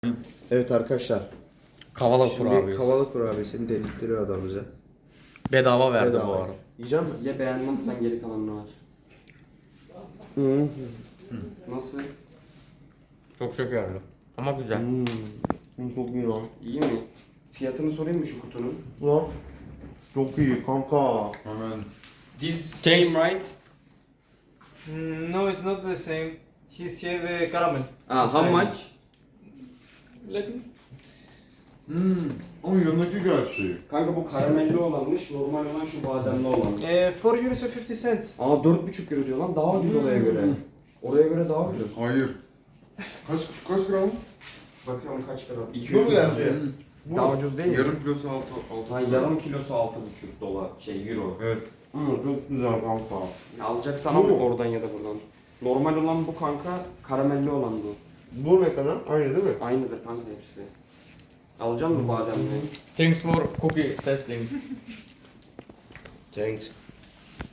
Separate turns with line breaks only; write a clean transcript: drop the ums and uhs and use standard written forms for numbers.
Evet arkadaşlar.
Kavala
Şimdi
kurabiyesi.
kavalı kurabiyesini dedirtiyor adam bize.
Bedava verdi
Bedava.
bu arada.
Yiyecek misin?
Ya beğenmezsen geri kalanını var.
Hı.
Nasıl?
Çok şekerli. Ama güzel.
Çok iyi lan.
İyi mi? Fiyatını sorayım mı şu kutunun?
Lan. Çok iyi kanka.
Hemen
This same
Thanks.
right?
No, it's not the same. He's here caramel.
How much?
Let me.
Ama yanındaki gerçeği.
Kanka bu karamelli olanmış, normal olan şu bademli olan.
4 euros and 50 cents.
Aa 4,5 euro diyor lan, daha ucuz oraya göre. Oraya göre daha ucuz.
Hayır. Kaç gram?
Bakıyorum kaç gram?
Bu
200
mu
gram.
gerçeği?
Daha ucuz değil mi?
Yarım kilosu 6
Ha, yarım kilosu 6,5 dolar, euro.
Evet.
Çok güzel kanka.
Alacaksan
Bu
al
mu?
oradan ya da buradan. Normal olan bu kanka, karamelli olan bu.
Bu ne kadar? Aynı değil mi?
Aynıdır kanka hepsi. Alacak mısın bademli?
Thanks for cookie testing.
Thanks.